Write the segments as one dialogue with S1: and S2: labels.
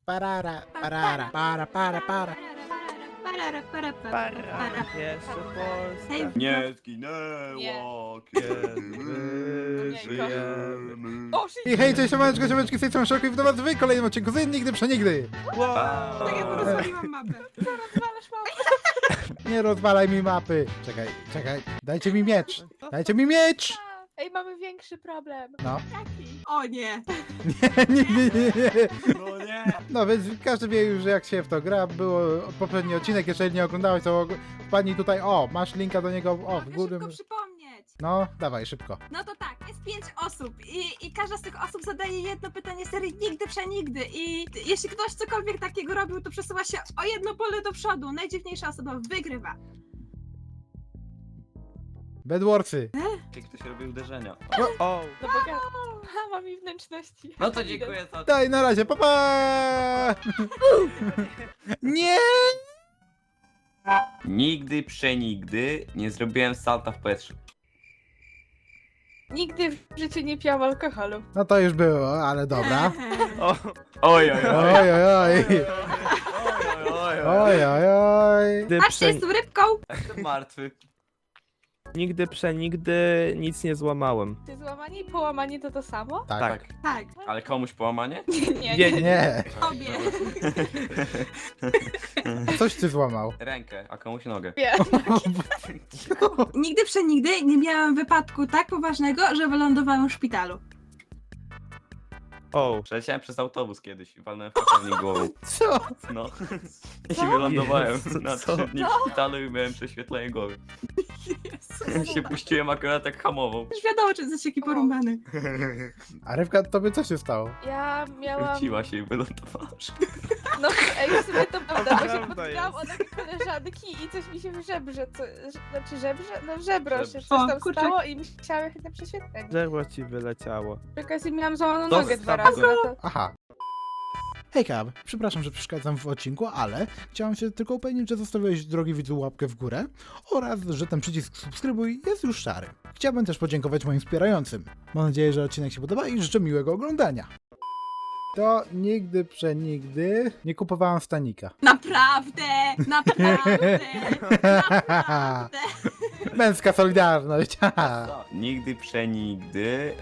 S1: Parara, parara, para.
S2: Jeszcze Polska.
S3: Hej,
S4: Nie zginęła, kiedy my
S2: Nie.
S4: żyjemy.
S2: O,
S1: I hej, cześć, siomeczki, z tej strony Szoku i witam was w kolejnym odcinku z Nigdy Przenigdy.
S2: Wow.
S3: tak jak rozwaliłam mapę.
S2: Rozwalasz mapę.
S1: Nie rozwalaj mi mapy. Czekaj, dajcie mi miecz.
S2: Ej, mamy większy problem.
S1: No,
S3: O nie.
S1: nie.
S4: No nie!
S1: No więc każdy wie już jak się w to gra, było poprzedni odcinek, jeżeli nie oglądałeś to wpadnij tutaj, o, masz linka do niego, o, w
S3: Mogę
S1: górę.
S3: szybko przypomnieć.
S1: No, dawaj, szybko.
S3: No to tak, jest 5 osób i każda z tych osób zadaje jedno pytanie serii nigdy przenigdy i jeśli ktoś cokolwiek takiego robił, to przesuwa się o jedno pole do przodu. Najdziwniejsza osoba wygrywa.
S1: Bedwarsy.
S4: Jak ktoś robi uderzenia.
S2: O, no bogato. Ha, mam i wnętrzności.
S4: No to dziękuję za...
S1: Daj, na razie, pa! Nie!
S4: Nigdy, przenigdy nie zrobiłem salta w powietrzu.
S2: Nigdy w życiu nie piłam alkoholu.
S1: No to już było, ale dobra.
S2: O,
S4: Oj, oj, oj.
S1: Oj, oj, oj.
S4: Oj, oj,
S1: Oj, oj, oj.
S2: nigdy,
S3: Patrzcie, jestem rybką.
S4: Jestem martwy.
S2: nigdy przenigdy nic nie złamałem.
S5: Czy złamanie i połamanie to samo?
S1: Tak.
S3: Tak,
S4: Ale komuś połamanie?
S2: Nie,
S1: Nie,
S3: tobie.
S1: coś ty złamał.
S4: Rękę, a komuś nogę.
S5: Wiem.
S3: Nigdy przenigdy nie miałam wypadku tak poważnego, że wylądowałam w szpitalu.
S2: O,
S4: Przeleciałem przez autobus kiedyś i walnąłem fakownik głową.
S1: Co?
S4: No. I wylądowałem
S2: Jezu,
S4: na
S2: co?
S4: 3 dni w szpitalu i miałem prześwietlenie głowy. Się puściłem akurat jak hamową.
S3: Już wiadomo, czy jesteś taki porąbany.
S1: A Rybka, tobie co się stało?
S5: Ja miałam.
S4: Wróciła się i wylądowała.
S5: No ej, w sumie to prawda, bo się
S2: Prawda
S5: potknęłam
S2: jest.
S5: o takie koleżanki i coś mi się w żebrze, znaczy żebrze? No w żebro się coś
S3: O,
S5: tam
S3: kurczę.
S5: stało i musiałam jechać na prześwietlenie.
S2: drzewo ci wyleciało.
S5: Przy okazji miałam złamaną
S4: To
S5: nogę 2
S4: stop.
S5: razy. No to...
S1: Aha. Hej Kab, przepraszam, że przeszkadzam w odcinku, ale chciałem się tylko upewnić, że zostawiłeś, drogi widzu, łapkę w górę oraz, że ten przycisk subskrybuj jest już szary. Chciałbym też podziękować moim wspierającym. Mam nadzieję, że odcinek się podoba i życzę miłego oglądania. To nigdy, przenigdy nie kupowałem stanika.
S3: Naprawdę, naprawdę, naprawdę.
S1: Męska solidarność. haha.
S4: Nigdy, przenigdy...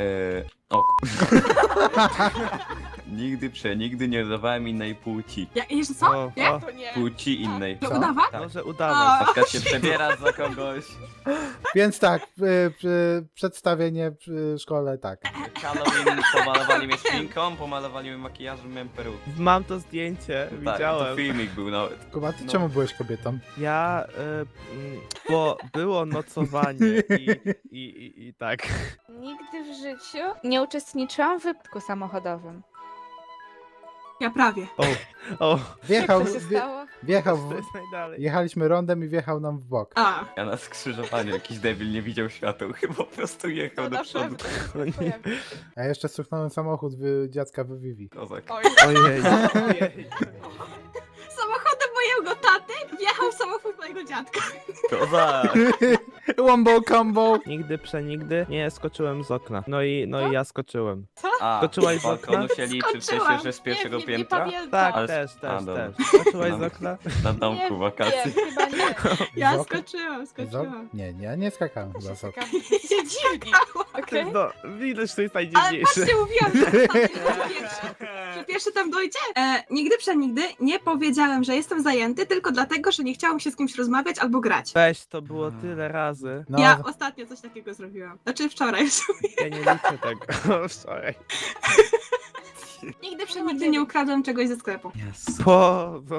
S4: Nigdy, przenigdy nie udawałem innej płci.
S3: Jeszcze co?
S2: O,
S3: Nie?
S2: o,
S5: To nie.
S4: Płci innej.
S3: To
S1: Co?
S3: udawa?
S4: Tak.
S2: może udawać.
S3: O.
S4: Na przykład się przebiera za kogoś.
S1: Więc tak, przedstawienie w szkole, tak.
S4: Halloween pomalowali mnie szpinką, pomalowali mnie makijażem, miałem perukę.
S2: Mam to zdjęcie,
S4: Tak, to
S2: widziałem.
S4: filmik był nawet.
S1: Kuba, ty
S4: No.
S1: czemu byłeś kobietą?
S2: Ja, bo było nocowanie i tak.
S5: Nigdy w życiu nie uczestniczyłam w wypadku samochodowym.
S3: Ja prawie.
S2: O,
S1: Wjechał,
S5: Jak to się stało?
S1: wjechał,
S2: to jest najdalej.
S1: jechaliśmy rondem i wjechał nam w bok.
S3: A,
S4: Ja na skrzyżowaniu jakiś debil nie widział świateł, chyba po prostu jechał
S5: To
S4: do
S5: na
S4: przodu.
S5: pewno.
S1: Ja jeszcze stuknąłem samochód dziadka w Vivi.
S4: Kozak.
S5: Oj,
S2: Ojej, ojej.
S3: samochodem mojego taty wjechał samochód mojego dziadka.
S4: Kozak!
S1: Wombo combo!
S2: Nigdy przenigdy nie skoczyłem z okna. No i ja skoczyłem.
S4: A,
S2: Skoczyłaś
S4: z
S2: z okna?
S4: balkonu się liczy w sensie, że z pierwszego
S5: nie
S4: piętra?
S5: pamiętam.
S2: Tak,
S4: Ale-
S2: też,
S4: a, dobra.
S2: też. Skoczyłaś z
S4: No.
S2: okna?
S4: Na domku wakacji.
S5: Nie, chyba nie.
S3: Ja
S1: Z okna?
S3: skoczyłam.
S1: Nie, nie skakałem chyba z okna.
S5: Jesteście dziwni. Okej.
S2: No, widać, że to jest
S3: Ale
S2: najdziwniejsze.
S3: patrzcie, mówiłam, że że pierwszy tam dojdzie. Nigdy przenigdy nie powiedziałem, że jestem zajęty, tylko dlatego, że nie chciałam się z kimś rozmawiać albo grać.
S2: Weź, to było tyle razy.
S1: No,
S3: Ja ostatnio coś takiego zrobiłam. Znaczy wczoraj.
S2: Ja nie liczę tego. Wczoraj.
S3: Nigdy przenigdy nie ukradłem czegoś ze sklepu.
S2: No.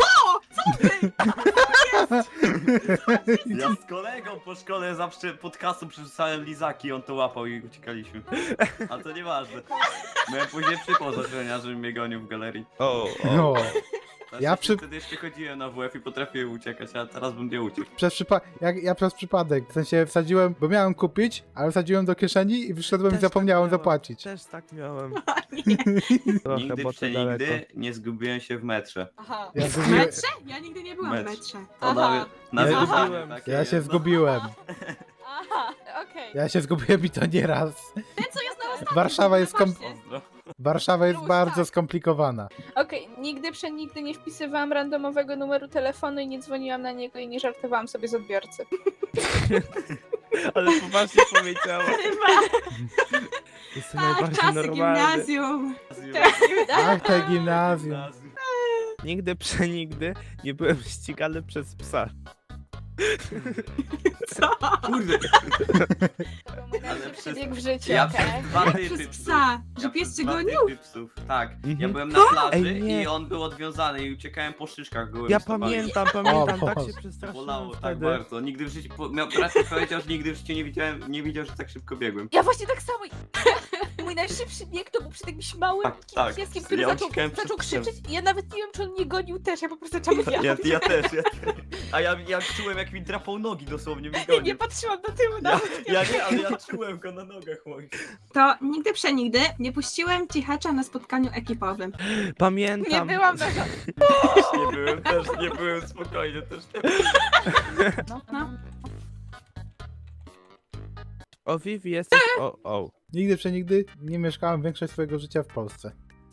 S4: Ja z kolegą po szkole zawsze pod kasą przerzucałem lizaki, on to łapał i uciekaliśmy. A to nieważne. Miałem później przypał z ochroniarzem, że mnie gonił w galerii.
S1: no.
S4: Znaczy,
S1: Ja przy-
S4: Wtedy jeszcze chodziłem na WF i potrafiłem uciekać, a teraz bym nie uciekł.
S1: Ja przez przypadek, w sensie wsadziłem, bo miałem kupić, ale wsadziłem do kieszeni i wyszedłem
S2: Też
S1: i zapomniałem
S2: tak miałem.
S1: zapłacić.
S2: Też tak miałem.
S3: Nie.
S2: Trochę,
S4: Nigdy,
S2: bo to daleko.
S4: przenigdy nie zgubiłem się w metrze.
S5: Aha.
S1: Ja,
S3: W
S1: zgubiłem,
S3: metrze? Ja nigdy nie byłam w
S4: Metrze.
S3: metrze.
S4: To
S5: Aha.
S4: na
S1: Ja
S4: wyzwanie
S2: zgubiłem.
S4: takie
S1: ja się
S4: jest, no.
S1: zgubiłem.
S5: Aha, okej.
S1: Ja się zgubiłem i to nie raz.
S3: Ten, co jest na ostatnim.
S1: Warszawa jest
S3: Zobaczcie.
S4: Pozdro.
S1: Warszawa jest
S5: Plus,
S1: bardzo
S5: tak.
S1: skomplikowana.
S5: Okej, nigdy przenigdy nie wpisywałam randomowego numeru telefonu i nie dzwoniłam na niego i nie żartowałam sobie z odbiorcy.
S2: Ale poważnie powiedziała.
S3: Chyba.
S2: Jestem
S3: Tak,
S2: najbardziej
S3: czasy
S2: normalny.
S3: gimnazjum.
S1: Ach, te gimnazjum.
S2: Nigdy przenigdy nie byłem ścigany przez psa.
S3: Co?
S4: Kurde,
S5: To był mój
S4: Ale
S5: najlepszy
S4: przez-
S5: bieg w życiu,
S4: ja
S5: okej?
S4: przez dwa typy
S3: Przez
S4: psów.
S3: psa. Że
S4: Ja
S3: pies
S4: przez
S3: cię
S4: dwa
S3: gonił?
S4: typy psów. Tak, ja
S2: Mhm.
S4: byłem na plaży
S2: Ej, nie.
S4: i on był odwiązany i uciekałem po szyszkach gołymi
S2: Ja
S4: stopami.
S2: pamiętam,
S1: O
S2: tak
S1: Boże.
S2: się przestraszyłem
S4: Bolało tak
S2: wtedy.
S4: bardzo. Nigdy w życiu, raczej powiedział, że nigdy w życiu nie widział, że tak szybko biegłem.
S5: Ja właśnie tak samo. Mój najszybszy bieg to był przed jakimś małym
S4: Tak,
S5: pieskiem, który
S4: ja
S5: zaczął
S4: uciekałem przed psem.
S5: krzyczeć i ja nawet nie wiem, czy on mnie gonił też, ja po prostu zaczęłam wiatr.
S4: Ja też. A ja czułem, jak mi drapał nogi dosłownie, mi
S5: Nie
S4: gonił.
S5: patrzyłam do tyłu
S4: Ja,
S5: nawet.
S4: ja nie, ale ja czułem go na nogach moich.
S3: To nigdy przenigdy nie puściłem cichacza na spotkaniu ekipowym.
S2: Pamiętam.
S5: Nie byłam na
S4: Też nie byłem spokojny, też nie.
S3: No.
S2: O Vivi jesteś... O.
S1: Nigdy przenigdy nie mieszkałem większość swojego życia w Polsce.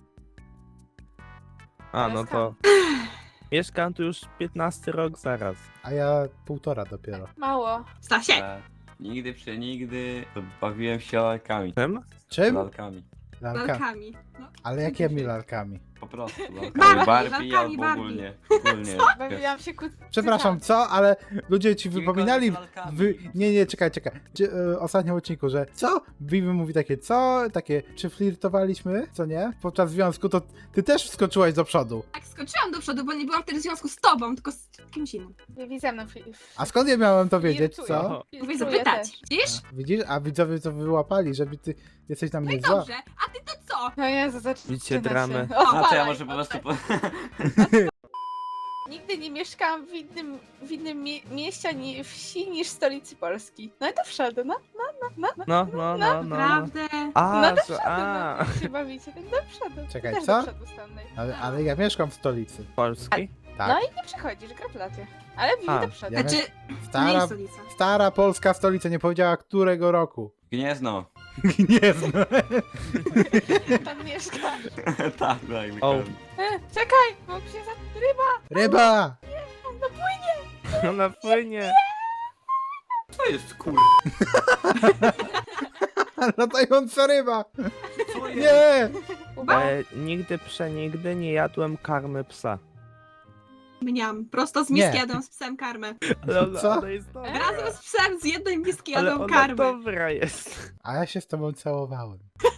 S2: A, no to... Mieszkam tu już 15 rok zaraz.
S1: A ja 1,5 dopiero.
S5: Mało.
S3: Stasie.
S4: Nigdy przenigdy to bawiłem się lalkami.
S2: Czym?
S1: Czym?
S4: Lalkami.
S1: Lalka.
S3: Lalkami. No.
S1: Ale jakimi lalkami?
S4: Po prostu.
S3: Barbie,
S4: Barbie
S3: lalkami
S4: albo
S3: Barbie.
S4: ogólnie.
S5: Bawiłam się
S1: Przepraszam, co? Ale ludzie ci
S4: Kimkolwiek
S1: wypominali...
S4: lalkami.
S1: Nie, czekaj. W ostatnim odcinku, że co? Vivi mówi takie, co? Takie, czy flirtowaliśmy? Co nie? Podczas związku to ty też wskoczyłaś do przodu.
S3: Tak, skoczyłam do przodu, bo nie byłam wtedy w związku z tobą, tylko z kimś innym.
S5: Vivi ze mną.
S1: A skąd ja miałem to wiedzieć,
S5: Flirtuję.
S1: co?
S3: Mówię
S5: Flirtuję
S3: zapytać.
S5: też.
S3: Widzisz?
S1: Widzisz? A widzowie to wyłapali, żeby ty jesteś na
S3: No
S1: mnie
S3: i
S1: zła.
S3: dobrze. A ty to co?
S5: No Jezu, zaczyna
S2: Widzicie
S5: się.
S2: dramę.
S4: A to ja
S5: Opalaj,
S4: może po prostu...
S5: Nigdy nie mieszkałam w innym mieście ani wsi niż stolicy Polski. No i do przodu, no.
S2: No.
S3: Naprawdę?
S2: A,
S5: No do
S2: że...
S5: przodu,
S2: A,
S5: no. Jak się bawicie, tak do przodu.
S1: Czekaj,
S5: Też
S1: co?
S5: do przodu stanę.
S1: Ale ja mieszkam w stolicy.
S2: Polski?
S1: Tak.
S5: No i nie przychodzisz, gratulacje. Ale Vivi
S2: A,
S5: do przodu.
S1: ja
S3: Znaczy, nie
S1: Stara,
S3: jest stolica.
S1: stara polska stolica, nie powiedziała którego roku.
S4: Gniezno.
S1: Nie znam.
S5: Tam mieszka.
S4: Tak, daj mi
S2: O.
S5: Czekaj, bo się za ryba.
S1: Ryba!
S2: Ona płynie.
S4: Co jest kur...
S1: Latająca ryba!
S4: Co jest?
S1: Nie!
S3: Kuba?
S2: Nigdy przenigdy nie jadłem karmy psa.
S3: Mniam. Prosto z
S1: Nie.
S3: miski jadą z psem karmę.
S2: Ale ona,
S1: Co?
S2: ona jest dobra.
S3: Razem z psem z jednej miski
S2: Ale
S3: jadą
S2: ona
S3: karmę.
S2: dobra jest.
S1: A ja się z tobą całowałem.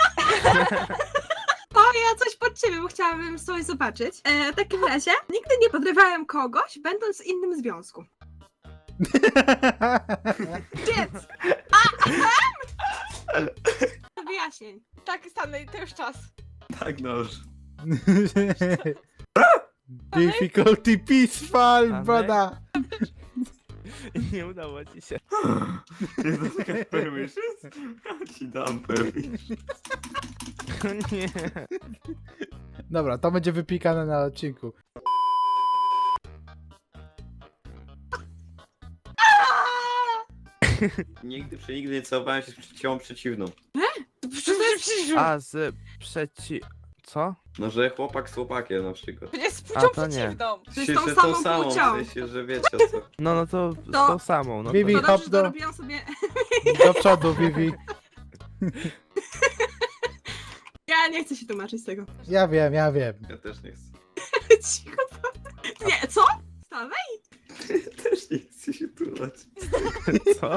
S3: To ja coś pod ciebie, bo chciałabym coś zobaczyć. W takim razie, nigdy nie podrywałem kogoś, będąc w innym związku. Więc... Wyjaśnień.
S5: Tak, stanę, to już czas.
S4: Tak, no już.
S1: Difficulty peaceful,
S2: Amen.
S1: brother!
S2: Nie udało ci się.
S4: Nie dotknę permissions? Ja ci dam permission.
S2: Nie.
S1: Dobra, to będzie wypikane na odcinku.
S4: Nigdy przenigdy nie całowałem się z płcią przeciwną.
S2: A z Co?
S4: No, że chłopak z chłopakiem na przykład.
S5: Przecież z
S2: A,
S5: płcią
S2: to nie.
S5: przeciwną.
S3: Z
S4: Się-
S3: tą
S4: że
S3: samą płcią.
S4: w sensie, że wiecie o co.
S2: No to z
S3: To-
S2: tą samą. No
S1: Vivi,
S3: To
S2: to...
S3: dobrze,
S1: hop
S3: że
S1: do-
S3: dorobiłam sobie...
S1: Do przodu, Vivi.
S3: Ja nie chcę się tłumaczyć z tego.
S1: Ja wiem.
S4: Ja też nie chcę.
S3: Cicho. Nie, co? Stawaj.
S4: Też nie chcę się tłumaczyć.
S2: Co?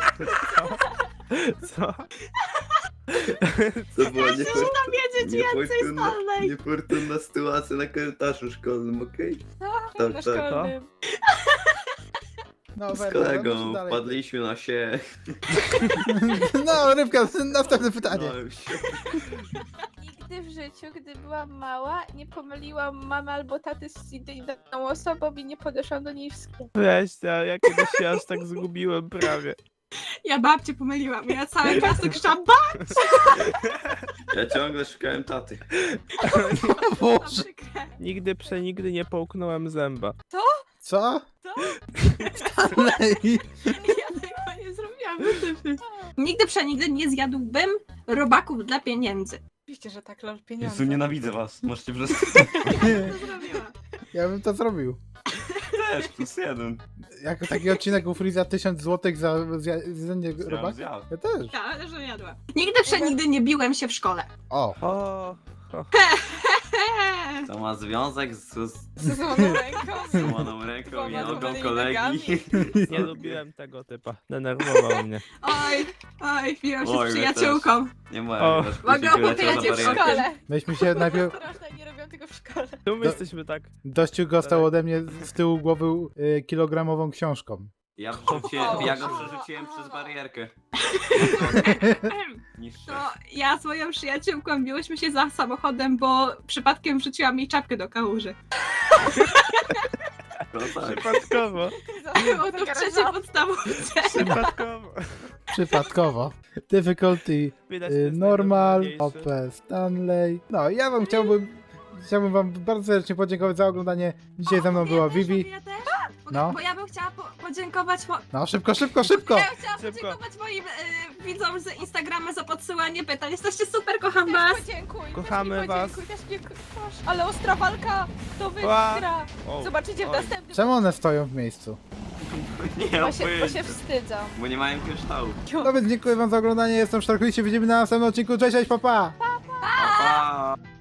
S2: Co?
S4: To była
S3: Muszę tam wiedzieć więcej, Stanley.
S4: niefortunna sytuacja na korytarzu szkolnym, okej? Tak,
S5: Na
S4: tak.
S5: szkolnym.
S1: No,
S4: Z
S1: Werner,
S4: kolegą
S1: no, dalej.
S4: wpadliśmy na się.
S1: No, Rybka, następne pytanie.
S4: No, już się...
S5: Nigdy w życiu, gdy byłam mała, nie pomyliłam mamy albo taty z inną osobą i nie podeszłam do niej w sklepie.
S2: Weź, ja kiedyś się aż tak zgubiłem prawie.
S3: Ja babcię pomyliłam. Ja całe miasto krzyczałam,
S4: Ja ciągle szukałem taty.
S1: Boże.
S2: Nigdy przenigdy nie połknąłem zęba.
S1: Co?
S3: Co?
S1: Stanley.
S3: Ja tego nie zrobiłam. Nigdy przenigdy nie zjadłbym robaków dla pieniędzy.
S5: Oczywiście, że tak, lol, pieniądze.
S4: Jezu, nienawidzę was. Możecie przez...
S3: To zrobiła.
S1: Ja bym to zrobił.
S4: Też, +1.
S1: Jak taki odcinek u Freeza 1000 zł za zjedzenie robaka?
S4: Zjadł.
S1: Ja też.
S3: Ja, ale że jadła. Nigdy przenigdy nie biłem się w szkole.
S1: O,
S2: O,
S4: To ma związek z
S5: Z złoną ręką.
S4: złamaną ręką i
S5: Dwoma
S4: nogą
S5: złamanymi
S4: kolegi.
S5: nogami.
S2: nie lubiłem tego typa. Denerwował mnie.
S3: Oj, biłam się
S4: Oj,
S3: z
S4: my
S3: przyjaciółką.
S4: Nie
S2: O.
S4: mogę, też
S3: Mogę
S4: później wyleciał
S3: opowiedzieć
S4: na
S5: W
S3: o
S4: barierkę.
S5: szkole.
S1: myśmy się najpierw...
S5: Straszne, nie robią tego w szkole.
S2: Czemu jesteśmy tak...
S1: Dościu dostał ode mnie z tyłu głowy kilogramową książką.
S4: Ja
S5: O.
S4: go przerzuciłem przez barierkę. Niższe.
S3: To ja z moją przyjaciółką biłyśmy się za samochodem, bo przypadkiem wrzuciłam jej czapkę do kałuży.
S4: No tak.
S2: Przypadkowo.
S3: Było to w trzeciej podstawówce.
S2: Przypadkowo.
S1: Przypadkowo. Difficulty,
S2: Widać, to jest
S1: normal,
S2: najdowolniejsze.
S1: OP, Stanley. No, ja wam chciałbym wam bardzo serdecznie podziękować za oglądanie. Dzisiaj ze mną była Vivi.
S3: Ja też?
S1: No.
S3: Bo ja bym chciała podziękować...
S1: No, szybko, szybko, szybko!
S3: Ja chciałam
S2: Szybko.
S3: podziękować moim widzom z Instagrama za podsyłanie pytań. Jesteście super, kocham was.
S5: Też podziękuj.
S2: Kochamy
S5: też mi
S2: was.
S5: podziękuj, też mi proszę. Ale ostra walka. Kto wygra?
S2: O,
S5: Zobaczycie w
S2: oj.
S5: następnym.
S1: Czemu one stoją w miejscu?
S4: Nie
S5: Bo się
S4: opyszcie,
S5: wstydzą.
S4: bo nie mają kryształu.
S1: No więc dziękuję wam za oglądanie, jestem Sztarkli, się widzimy na następnym odcinku, cześć, cześć, pa, pa!
S4: Pa, pa.